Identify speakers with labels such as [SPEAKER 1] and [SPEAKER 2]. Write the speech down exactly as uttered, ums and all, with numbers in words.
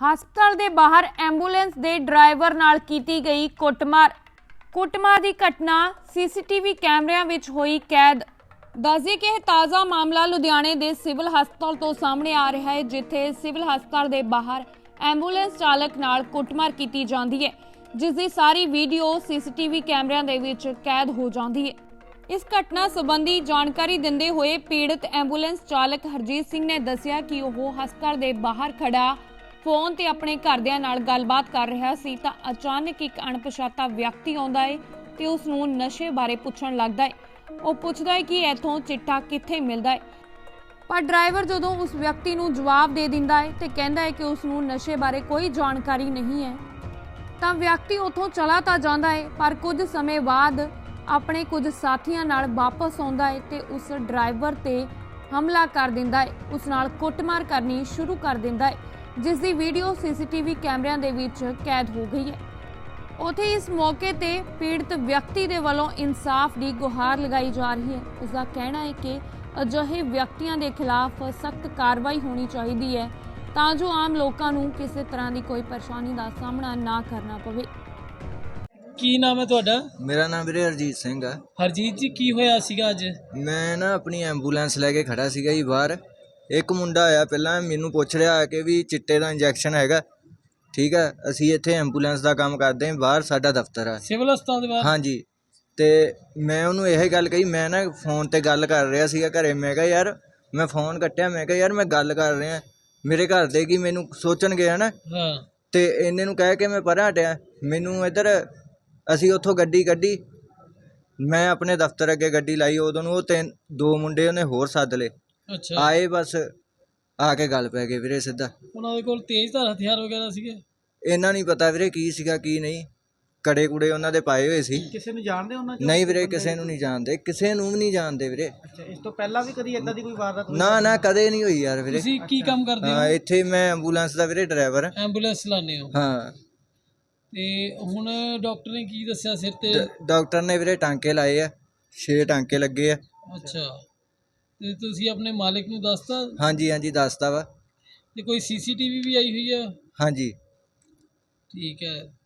[SPEAKER 1] ਹਸਪਤਾਲ ਦੇ ਬਾਹਰ ਐਂਬੂਲੈਂਸ ਦੇ ਡਰਾਈਵਰ ਨਾਲ ਕੀਤੀ ਗਈ ਕੁੱਟਮਾਰ। ਕੁੱਟਮਾਰ ਦੀ ਘਟਨਾ ਸੀਸੀਟੀਵੀ ਕੈਮਰਿਆਂ ਵਿੱਚ ਹੋਈ ਕੈਦ। ਦੱਸਦੇ ਕਿ ਇਹ ਤਾਜ਼ਾ ਮਾਮਲਾ ਲੁਧਿਆਣੇ ਦੇ ਸਿਵਲ ਹਸਪਤਾਲ ਤੋਂ ਸਾਹਮਣੇ ਆ ਰਿਹਾ ਹੈ, ਜਿੱਥੇ ਸਿਵਲ ਹਸਪਤਾਲ ਦੇ ਬਾਹਰ ਐਂਬੂਲੈਂਸ ਚਾਲਕ ਨਾਲ ਕੁੱਟਮਾਰ ਕੀਤੀ ਜਾਂਦੀ ਹੈ, ਜਿਸ ਦੀ ਸਾਰੀ ਵੀਡੀਓ ਸੀਸੀਟੀਵੀ ਕੈਮਰਿਆਂ ਦੇ ਵਿੱਚ ਕੈਦ ਹੋ ਜਾਂਦੀ ਹੈ। ਇਸ ਘਟਨਾ ਸੰਬੰਧੀ ਜਾਣਕਾਰੀ ਦਿੰਦੇ ਹੋਏ ਪੀੜਤ ਐਂਬੂਲੈਂਸ ਚਾਲਕ ਹਰਜੀਤ ਸਿੰਘ ਨੇ ਦੱਸਿਆ ਕਿ ਉਹ ਹਸਪਤਾਲ ਦੇ ਬਾਹਰ ਖੜਾ ਫੋਨ ਤੇ ਆਪਣੇ ਘਰਦਿਆਂ ਨਾਲ ਗੱਲਬਾਤ ਕਰ ਰਿਹਾ ਸੀ ਤਾਂ ਅਚਾਨਕ ਇੱਕ ਅਣਪਛਾਤਾ ਵਿਅਕਤੀ ਆਉਂਦਾ ਹੈ ਤੇ ਉਸ ਨੂੰ ਨਸ਼ੇ ਬਾਰੇ ਪੁੱਛਣ ਲੱਗਦਾ ਹੈ। ਉਹ ਪੁੱਛਦਾ ਹੈ ਕਿ ਇੱਥੋਂ ਚਿੱਟਾ ਕਿੱਥੇ ਮਿਲਦਾ ਹੈ, ਪਰ ਡਰਾਈਵਰ ਜਦੋਂ ਉਸ ਵਿਅਕਤੀ ਨੂੰ ਜਵਾਬ ਦੇ ਦਿੰਦਾ ਹੈ ਤੇ ਕਹਿੰਦਾ ਹੈ ਕਿ ਉਸ ਨੂੰ ਨਸ਼ੇ ਬਾਰੇ ਕੋਈ ਜਾਣਕਾਰੀ ਨਹੀਂ ਹੈ, ਤਾਂ ਵਿਅਕਤੀ ਉੱਥੋਂ ਚਲਾ ਤਾਂ ਜਾਂਦਾ ਹੈ, ਪਰ ਕੁਝ ਸਮੇਂ ਬਾਅਦ ਆਪਣੇ ਕੁਝ ਸਾਥੀਆਂ ਨਾਲ ਵਾਪਸ ਆਉਂਦਾ ਹੈ ਤੇ ਉਸ ਡਰਾਈਵਰ ਤੇ ਹਮਲਾ ਕਰ ਦਿੰਦਾ ਹੈ, ਉਸ ਨਾਲ ਕੁੱਟਮਾਰ ਕਰਨੀ ਸ਼ੁਰੂ ਕਰ ਦਿੰਦਾ ਹੈ, ਜਿਸ ਦੀ ਵੀਡੀਓ ਸੀਸੀਟੀਵੀ ਕੈਮਰਿਆਂ ਦੇ ਵਿੱਚ ਕੈਦ ਹੋ ਗਈ ਹੈ। ਉੱਥੇ ਇਸ ਮੌਕੇ ਤੇ ਪੀੜਤ ਵਿਅਕਤੀ ਦੇ ਵੱਲੋਂ ਇਨਸਾਫ ਦੀ ਗੁਹਾਰ ਲਗਾਈ ਜਾ ਰਹੀ ਹੈ। ਉਸ ਦਾ ਕਹਿਣਾ ਹੈ ਕਿ ਅਜਿਹੇ ਵਿਅਕਤੀਆਂ ਦੇ ਖਿਲਾਫ ਸਖਤ ਕਾਰਵਾਈ ਹੋਣੀ ਚਾਹੀਦੀ ਹੈ ਤਾਂ ਜੋ ਆਮ ਲੋਕਾਂ ਨੂੰ ਕਿਸੇ ਤਰ੍ਹਾਂ ਦੀ ਕੋਈ ਪਰੇਸ਼ਾਨੀ ਦਾ ਸਾਹਮਣਾ ਨਾ ਕਰਨਾ ਪਵੇ।
[SPEAKER 2] ਕੀ ਨਾਮ ਹੈ ਤੁਹਾਡਾ?
[SPEAKER 3] ਮੇਰਾ ਨਾਮ ਵੀਰੇ ਹਰਜੀਤ ਸਿੰਘ ਆ।
[SPEAKER 2] ਹਰਜੀਤ ਜੀ, ਕੀ ਹੋਇਆ ਸੀਗਾ ਅੱਜ?
[SPEAKER 3] ਮੈਂ ਨਾ ਆਪਣੀ ਐਂਬੂਲੈਂਸ ਲੈ ਕੇ ਖੜਾ ਸੀਗਾ ਜੀ ਬਾਹਰ। ਇੱਕ ਮੁੰਡਾ ਆਇਆ, ਪਹਿਲਾਂ ਮੈਨੂੰ ਪੁੱਛ ਰਿਹਾ ਆ ਕਿ ਵੀ ਚਿੱਟੇ ਦਾ ਇੰਜੈਕਸ਼ਨ ਹੈਗਾ। ਠੀਕ ਹੈ, ਅਸੀਂ ਇੱਥੇ ਐਂਬੂਲੈਂਸ ਦਾ ਕੰਮ ਕਰਦੇ ਹਾਂ, ਬਾਹਰ ਸਾਡਾ ਦਫ਼ਤਰ ਆ
[SPEAKER 2] ਸਿਵਲ ਹਸਪਤਾਲ ਦੇ ਬਾਹਰ।
[SPEAKER 3] ਹਾਂਜੀ, ਤੇ ਮੈਂ ਉਹਨੂੰ ਇਹ ਗੱਲ ਕਹੀ, ਮੈਂ ਨਾ ਫੋਨ ਤੇ ਗੱਲ ਕਰ ਰਿਹਾ ਸੀਗਾ ਘਰੇ। ਮੈਂ ਕਿਹਾ ਯਾਰ, ਮੈਂ ਫੋਨ ਕੱਟਿਆ, ਮੈਂ ਕਿਹਾ ਯਾਰ ਮੈਂ ਗੱਲ ਕਰ ਰਿਹਾ, ਮੇਰੇ ਘਰ ਦੇ ਕੀ ਮੈਨੂੰ ਸੋਚਣਗੇ ਹੈ ਨਾ।
[SPEAKER 2] ਹਾਂ।
[SPEAKER 3] ਤੇ ਇਹਨੇ ਨੂੰ ਕਹਿ ਕੇ ਮੈਂ ਪਰਾਂ ਹਟਿਆ। ਮੈਨੂੰ ਇੱਧਰ ਅਸੀਂ ਉੱਥੋਂ ਗੱਡੀ ਕੱਢੀ, ਮੈਂ ਆਪਣੇ ਦਫ਼ਤਰ ਅੱਗੇ ਗੱਡੀ ਲਾਈ, ਉਦੋਂ ਨੂੰ ਉਹ ਤਿੰਨ ਦੋ ਮੁੰਡੇ ਉਹਨੇ ਹੋਰ ਸੱਦ ਲਏ।
[SPEAKER 2] ਅੱਛਾ।
[SPEAKER 3] ਆਏ, ਬਸ ਆ ਕੇ ਗੱਲ ਪੈ ਗਈ ਵੀਰੇ ਸਿੱਧਾ।
[SPEAKER 2] ਉਹਨਾਂ ਦੇ ਕੋਲ ਤੇਜ਼ਧਾਰ ਹਥਿਆਰ ਵਗੈਰਾ ਸੀਗੇ?
[SPEAKER 3] ਇਹਨਾਂ ਨਹੀਂ ਪਤਾ ਵੀਰੇ ਕੀ ਸੀਗਾ ਕੀ ਨਹੀਂ, ਕੜੇ ਕੁੜੇ ਉਹਨਾਂ ਦੇ ਪਾਏ ਹੋਏ ਸੀ।
[SPEAKER 4] ਕਿਸੇ ਨੂੰ ਜਾਣਦੇ ਉਹਨਾਂ ਚੋਂ?
[SPEAKER 3] ਨਹੀਂ ਵੀਰੇ, ਕਿਸੇ ਨੂੰ ਨਹੀਂ ਜਾਣਦੇ, ਕਿਸੇ ਨੂੰ ਵੀ ਨਹੀਂ ਜਾਣਦੇ ਵੀਰੇ।
[SPEAKER 4] ਅੱਛਾ, ਇਸ ਤੋਂ ਪਹਿਲਾਂ ਵੀ ਕਦੀ ਇਦਾਂ ਦੀ ਕੋਈ ਵਾਰਦਾਤ ਹੋਈ?
[SPEAKER 3] ਨਾ ਨਾ, ਕਦੇ ਨਹੀਂ ਹੋਈ ਯਾਰ ਵੀਰੇ।
[SPEAKER 2] ਤੁਸੀਂ ਕੀ ਕੰਮ ਕਰਦੇ
[SPEAKER 3] ਹਾਂ,
[SPEAKER 2] ਹੋ?
[SPEAKER 3] ਇੱਥੇ ਮੈਂ ਐਂਬੂਲੈਂਸ ਦਾ ਵੀਰੇ ਡਰਾਈਵਰ।
[SPEAKER 2] ਐਂਬੂਲੈਂਸ ਚਲਾਉਂਦੇ ਹੋ?
[SPEAKER 3] ਹਾਂ।
[SPEAKER 2] ਤੇ ਹੁਣ ਡਾਕਟਰ ਨੇ ਕੀ ਦੱਸਿਆ ਸਿਰ ਤੇ?
[SPEAKER 3] ਡ- ਡਾਕਟਰ ਨੇ ਵੀਰੇ ਟਾਂਕੇ ਲਾਏ ਆ, ਛੇ ਟਾਂਕੇ ਲੱਗੇ ਆ।
[SPEAKER 2] ਅੱਛਾ, ਤੇ ਤੁਸੀਂ ਆਪਣੇ ਮਾਲਿਕ ਨੂੰ ਦੱਸਤਾ?
[SPEAKER 3] ਹਾਂਜੀ ਹਾਂਜੀ, ਦੱਸਤਾ ਵਾ।
[SPEAKER 2] ਤੇ ਕੋਈ ਸੀਸੀਟੀਵੀ ਵੀ ਆਈ ਹੋਈ ਆ?
[SPEAKER 3] ਹਾਂਜੀ।
[SPEAKER 2] ਠੀਕ ਹੈ।